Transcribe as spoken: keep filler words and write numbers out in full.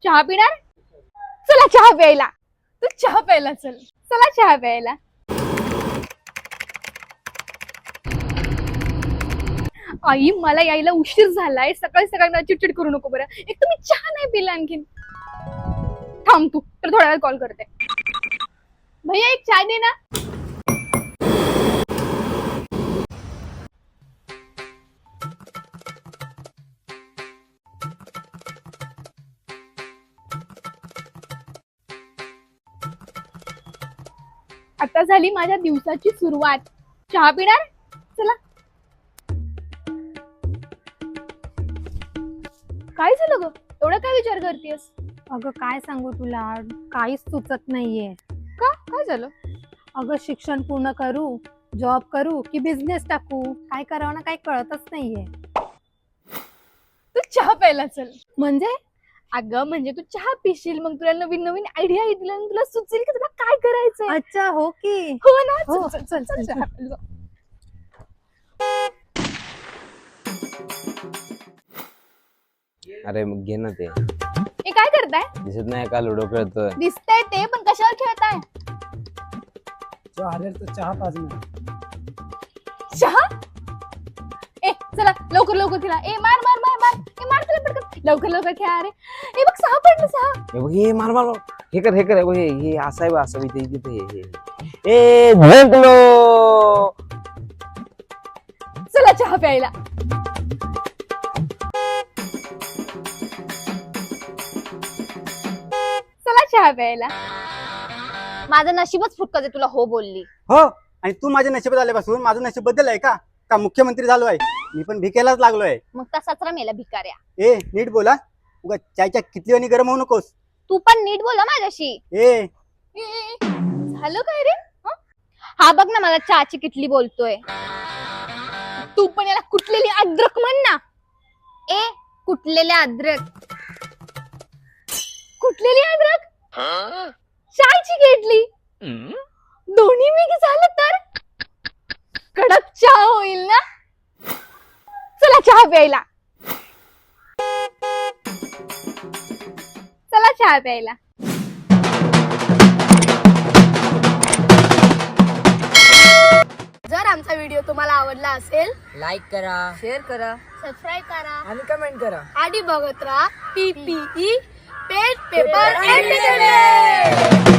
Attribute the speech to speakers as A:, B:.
A: चहा पिणार? चला चहा प्यायला. तू चहा प्यायला चल. चला चहा प्यायला. आई मला यायला उशीर झालाय. सकाळी सकाळी मला चिडचिड करू नको बरं. एक तर मी चहा नाही पिला आणखीन. थांब तू तर थोड्या वेळ कॉल करते. भैया एक चहा दे ना. आता झाली माझ्या दिवसाची सुरुवात. चहा पिणार? चला. काय झालं ग? एवढा काय विचार करतेस?
B: अगं काय सांगू तुला, काहीच सुचत नाहीये.
A: का? काय झालं?
B: अगं शिक्षण पूर्ण करू, जॉब करू की बिझनेस टाकू, काय करावं ना काही कळतच नाहीये.
A: तू चहा प्यायला चल.
B: म्हणजे
A: अगं म्हणजे तू चहा पिशील, मग तुला नवीन नवीन आयडिया येतील आणि तुला सुचेल की तुला काय करायचंय.
B: अच्छा हो की.
A: हो ना.
B: हो.
A: चल चल चल चहा प्यायला जाऊ.
C: अरे मग घे ना ते.
A: हे काय करताय?
C: दिसत नाही का लुडो खेळतोय?
A: दिसतंय ते, पण कशावर खेळताय?
D: जो हारेल तो चहा पाजणार.
A: चहा? ए चला लवकर लवकर खेळा. ए मार मार मार मार. ए मार तुला पटकन. लवकर लवकर खेळा रे. ए बघ सहा पडलं सहा.
C: हे बघ हे मार मार मार. हे कर हे कर हे बघ, हे हे असं आहे बा असं इथे इथे हे हे ए जिंकलो.
A: चला चहा प्यायला. चला चहा प्यायला.
E: माझं नशीबच फुटकं आहे तुला हो बोलली.
D: हो, आणि तू माझ्या नशिबात आल्यापासून माझं नशीब बदल आहे का का मुख्यमंत्री झालो आहे. मी पण भिकेलाच लागलोय.
E: मग तसाच रमेला भिकाऱ्या.
D: ए नीट बोला. उगा चायच्या कितली आणि गरम होऊ नकोस.
E: तू पण नीट बोला माझ्याशी.
D: ए
A: ए, ए, झालं काय रे? हं?
E: हा बघ ना मला चहाची किटली बोलतोय.
A: तू पण याला कुठलेली अद्रक म्हण ना.
E: ए कुटलेले अद्रक.
A: कुठलेली अद्रक? चायची घेतली. दोन्ही मिक्स झालं तर कडक चहा होईल ना. चला चहा प्यायला. चला चहा प्यायला.
B: जर आमचा व्हिडिओ तुम्हाला आवडला असेल
F: लाईक करा,
B: शेअर करा
E: सबस्क्राईब करा
F: आणि कमेंट करा.
B: आणि बघत राहा P P E pen paper entertainment.